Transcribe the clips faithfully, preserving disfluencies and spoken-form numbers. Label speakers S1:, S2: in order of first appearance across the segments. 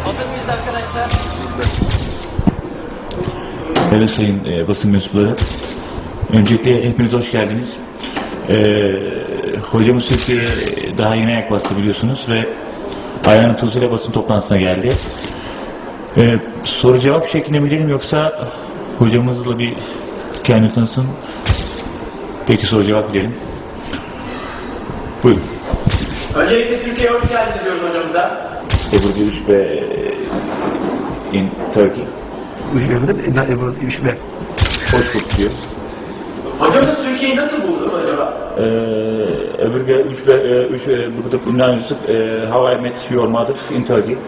S1: Hazır mıyız arkadaşlar?
S2: Evet sayın e, basın mensupları. Öncelikle hepiniz hoş geldiniz. E, hocamız Türkiye'ye daha yeni ayak bastı biliyorsunuz ve ayağının tozuyla basın toplantısına geldi. E, soru cevap şeklinde mi gidelim yoksa hocamızla bir kendini tanısın. Peki soru cevap gidelim. Buyurun.
S3: Öncelikle Türkiye'ye hoş geldiniz diyoruz hocamıza.
S2: Ebru Gülüş ve in Turkey. Hoş bulduk diyor.
S3: Hocamız Türkiye'yi nasıl buldu acaba?
S2: Ebru Gülüş ve üç burada ünlü How I Met Your Mother in Turkey.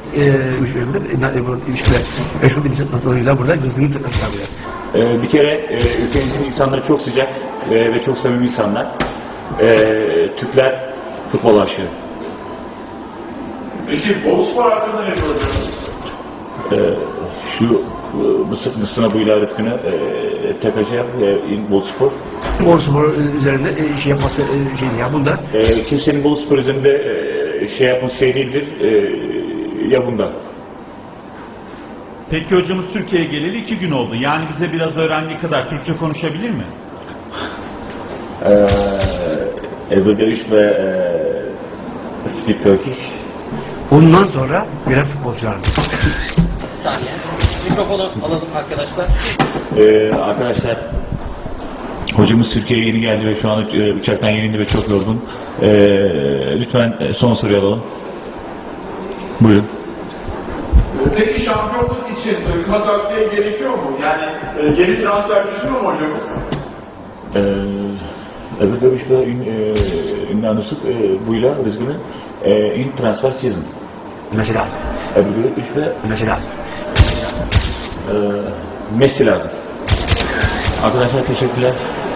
S2: Ee, bir kere e, ülkemizin insanları çok sıcak e, ve çok samimi insanlar. E, Türkler futbol aşığı.
S3: Peki Boluspor hakkında ne soracaksınız?
S2: E, şu Mısır Mısır'ına buyla rızkını e, tekacı yap e, in Boluspor.
S4: Boluspor üzerinde e, şey yapması e, şeydi ya bunda.
S2: E, kimsenin Boluspor üzerinde e, şey yapması şey değildir. E, ya bunda.
S5: Peki hocamız Türkiye'ye geleli iki gün oldu. Yani bize biraz öğrendiği kadar Türkçe konuşabilir mi?
S2: Ebru Gülüş ve e, Speak Turkish.
S4: Ondan sonra birer futbolcular.
S1: Bir saniye. Mikrofonu alalım arkadaşlar.
S2: Ee, arkadaşlar hocamız Türkiye'ye yeni geldi ve şu an e, uçaktan yeni indi ve çok yorgun. Ee, lütfen e, son soruyu alalım. Buyurun.
S3: Peki şampiyonluk için takıma takviye gerekiyor mu? Yani e, yeni transfer düşünüyor mu hocamız?
S2: Ebru Gülüş ve ünlü anısık buyla rızkını e, in transfer season.
S4: Messi lazım.
S2: Ebru Gülüş ve
S4: Messi lazım.
S2: e, Messi lazım. Arkadaşlar teşekkürler.